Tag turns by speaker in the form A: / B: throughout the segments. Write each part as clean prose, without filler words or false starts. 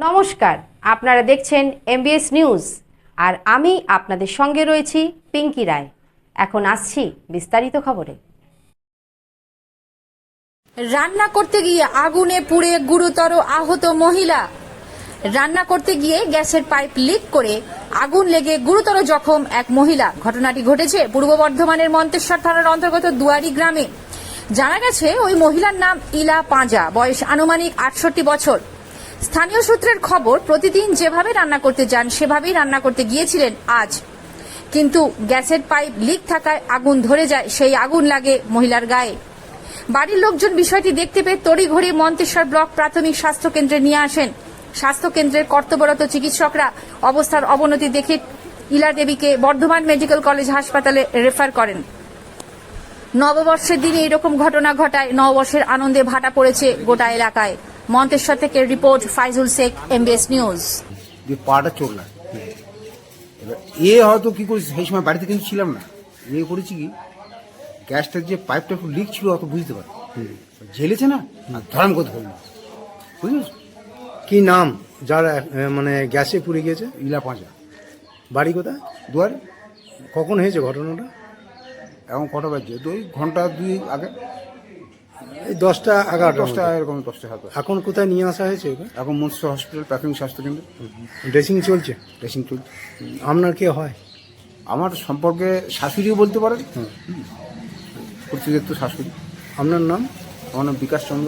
A: নমস্কার, আপনারা দেখছেন এমবিএস নিউজ আর আমি আপনাদের সঙ্গে রয়েছি পিঙ্কি রায়। এখন আসছি বিস্তারিত খবরে।
B: রান্না করতে গিয়ে আগুনে পুড়ে গুরুতর আহত মহিলা। রান্না করতে গিয়ে গ্যাসের পাইপ লিক করে আগুন লেগে গুরুতর জখম এক মহিলা। ঘটনাটি ঘটেছে পূর্ব বর্ধমানের মন্তেশ্বর থানার অন্তর্গত দুয়ারি গ্রামে। জানা গেছে ওই মহিলার নাম ইলা পাঁজা, বয়স আনুমানিক 68 বছর। স্থানীয় সূত্রের খবর, প্রতিদিন যেভাবে রান্না করতে যান সেভাবেই রান্না করতে গিয়েছিলেন আজ, কিন্তু গ্যাসের পাইপ লিক থাকায় আগুন ধরে যায়। সেই আগুন লাগে মহিলার গায়ে। বাড়ির লোকজন বিষয়টি দেখতে পেয়ে তড়িঘড়ি মন্তেশ্বর ব্লক প্রাথমিক স্বাস্থ্য কেন্দ্রে নিয়ে আসেন। স্বাস্থ্য কেন্দ্রের কর্তব্যরত চিকিৎসকরা অবস্থার অবনতি দেখে ইলা দেবীকে বর্ধমান মেডিকেল কলেজ হাসপাতালে রেফার করেন। নববর্ষের দিনে এরকম ঘটনা ঘটায় নববর্ষের আনন্দে ভাটা পড়েছে গোটা এলাকায়। মন্তেশ্বর থেকে report Faizul Sheikh, MBS news.
C: পাটা চলল, এবার হয়তো কি করেছি, সেই সময় বাড়িতে কিন্তু ছিলাম না। করেছি কি, গ্যাসটার যে পাইপটা একটু লিক ছিল অত বুঝতে পারি, ঝেলেছে না, ধরাম করে ধরল। বুঝেছ
D: কি নাম যার মানে গ্যাসে পুড়ে গিয়েছে?
C: ইলা পাঁজা।
D: বাড়ি কোথায়?
C: দুয়ারে।
D: কখন হয়েছে ঘটনাটা?
C: এখন কটা বাজছে? ওই ঘন্টা দুই আগে,
D: এই 10টা 11টা
C: 10টা এরকম, 10টা হাতে।
D: এখন কোথায় নিয়ে আসা হয়েছে ওকে?
C: এখন মৎস্য হসপিটাল প্রাথমিক স্বাস্থ্যকেন্দ্র
D: ড্রেসিং চলছে।
C: ড্রেসিং চলছে।
D: আপনার কে হয়?
C: আমার সম্পর্কে শাশুড়িও বলতে পারেন, প্রতিনিধিত্ব শাশুড়ি।
D: আপনার নাম?
C: আমার নাম বিকাশ চন্দ্র।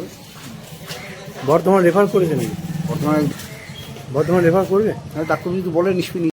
D: বর্ধমান রেফার করেছেন?
C: বর্তমানে
D: বর্ধমান রেফার করবে?
C: ডাক্তার যদি বলে নিষ্পত্তি